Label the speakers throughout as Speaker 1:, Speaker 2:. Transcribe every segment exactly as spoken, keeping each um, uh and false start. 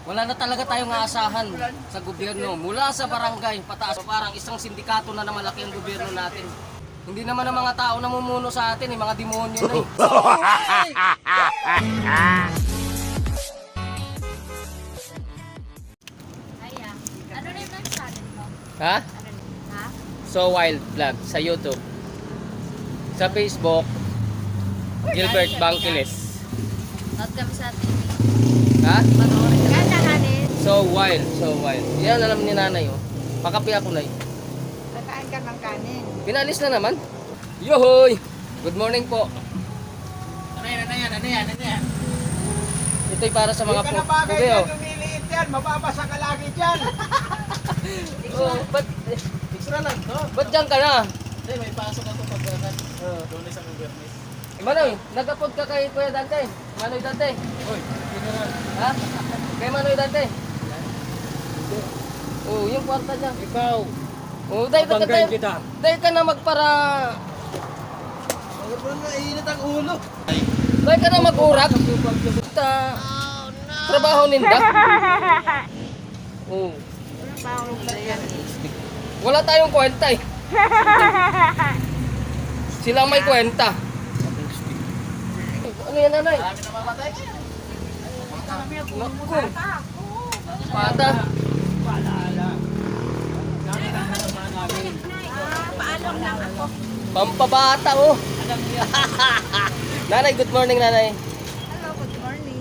Speaker 1: Wala na talaga tayong aasahan sa gobyerno. Mula sa barangay, pataas, parang isang sindikato na na malaki ang gobyerno natin. Hindi naman ang mga tao namumuno sa atin, eh, mga demonyo na eh.
Speaker 2: Aya, ano rin ang channel mo?
Speaker 1: Ha?
Speaker 2: Ano rin? Ha?
Speaker 1: So Wild Vlog sa YouTube. Sa Facebook, Gilbert Bangkiles.
Speaker 2: Not kami sa T V.
Speaker 1: Ha?
Speaker 2: Panoorin kami. Kaya kanin.
Speaker 1: So Wild, so Wild. Yan alam ni nanay oh. Pakapi ako na eh.
Speaker 2: Kakain ka ng kanin.
Speaker 1: Pinalis na naman. Yohoy! Good morning po.
Speaker 3: Ano yan, ano yan, ano yan, ano yan?
Speaker 1: Ito'y para sa mga
Speaker 3: Hindi
Speaker 1: po.
Speaker 3: ka na bagay
Speaker 1: Pugi oh.
Speaker 3: yan, lumiliit yan, mababasa ka lagi dyan.
Speaker 1: Oh, ba't,
Speaker 3: Extra lang to.
Speaker 1: ba't dyan ka na?
Speaker 3: Hindi, may pasok ako pag uh, doon sa Gobyernes.
Speaker 1: Manoy, nagapod ka kay Kuya Dante. Manoy Dante.
Speaker 3: Uy, general.
Speaker 1: Ha? Kay Manoy Dante. Oh, yung kwarta niya.
Speaker 3: Ikaw,
Speaker 1: Oh, dahil ka
Speaker 3: babanggain
Speaker 1: dahil,
Speaker 3: kita.
Speaker 1: dahil ka na magpara.
Speaker 3: Ano na, init ang ulo.
Speaker 1: Dahil ka na mag-urak. Ta, trabaho ninda. Oh, wala tayong kwenta eh. Sila may kwenta. Ano yan, nanay?
Speaker 3: Marami na mamatay.
Speaker 1: Naku. Pata.
Speaker 2: Paano lang ako?
Speaker 1: Pampabata oh. Nanay, good morning nanay.
Speaker 2: Hello, good morning.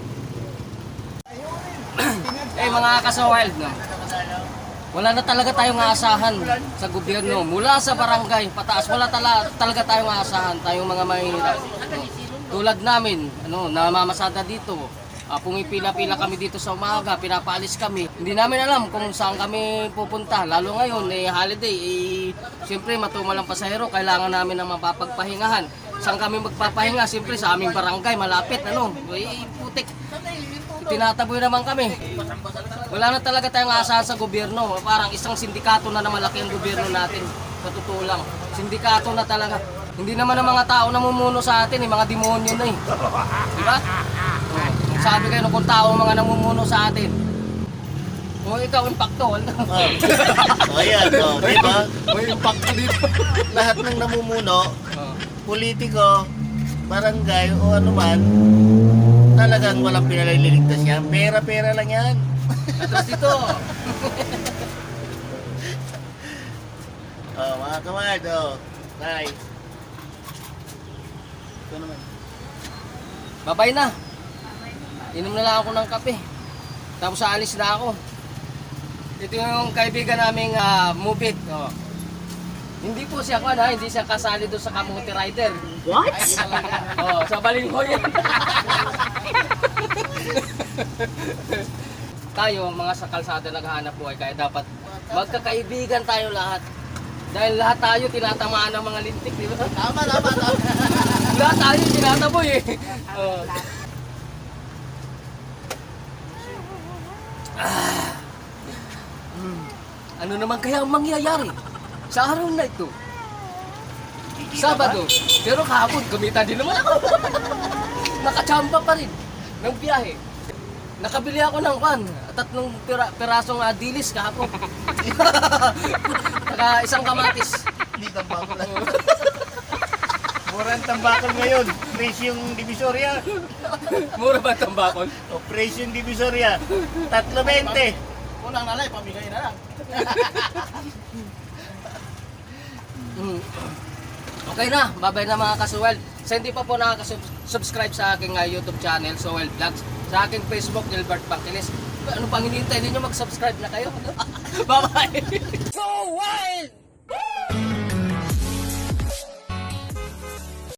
Speaker 1: Eh mga kasawild no. Wala na talaga tayong aasahan sa gobyerno. Mula sa barangay, pataas, wala tala, talaga tayong aasahan. Tayong mga mahihirap. No. Tulad namin, ano, namamasada dito. Uh, pumipila-pila kami dito sa umaga, pinapaalis kami. Hindi namin alam kung saan kami pupunta. Lalo ngayon, eh, holiday, eh, siyempre matumalang pasahero, kailangan namin ng mapapagpahingahan. Saan kami magpapahinga? Siyempre sa aming barangay, malapit, ano, eh, putik. Tinataboy naman kami. Wala na talaga tayong aasahan sa gobyerno. Parang isang sindikato na na malaki ang gobyerno natin. Sa totoo lang. Sindikato na talaga. Hindi naman ang mga tao namumuno sa atin, eh, mga demonyo na eh. Diba? Oh, sabi kayo kung tao ang mga namumuno sa atin. O ikaw, impacto.
Speaker 4: Oh, ayan, oh, di ba?
Speaker 1: May impacto dito.
Speaker 4: Lahat ng namumuno,
Speaker 1: Oh.
Speaker 4: politiko, barangay o ano man, talagang walang pinalililigtas yan. Pera-pera lang yan.
Speaker 1: Atras dito.
Speaker 4: Oh, mga kamad, oh. Tay. Ito naman.
Speaker 1: Babay na. Inom na lang ako ng kape. Tapos aalis na ako. Ito yung kaibigan naming uh, Mubit. Oh. Hindi po siya kan ha, hindi siya kasali doon sa Kamuti Rider.
Speaker 4: What?
Speaker 1: Oh, sa Balinghoy yan. Tayo, mga sa kalsada naghahanap buhay, kaya dapat magkakaibigan tayo lahat. Dahil lahat tayo tinatamaan ng mga lintik, di ba?
Speaker 4: Tama, tama, tama.
Speaker 1: Lahat tayo tinataboy eh. Oh. Ah. Hmm. Ano naman kaya ang mangyayari sa araw na ito? Sabado. Pero kahapon, kumita din naman ako. Nakachamba pa rin ng biyahe. Nakabili ako ng pan, tatlong pira, pirasong uh, dilis kahapon. Saka isang kamatis.
Speaker 4: Hindi tambakol lang. Murang tambakol ngayon. Presyong Divisoria.
Speaker 1: Mura ba ang tambakol?
Speaker 4: O presyong Divisoria. Tatlo bente.
Speaker 3: Kulang na lang, pamigay na lang.
Speaker 1: Mm. Okay na, babay na mga kasuwel. Sa hindi pa po nakaka-subscribe sa aking uh, YouTube channel, Sowel Vlogs, sa aking Facebook, Gilbert Bangkiles. Ano pang hinihintay ninyo, mag-subscribe na kayo? Bye-bye! So wild!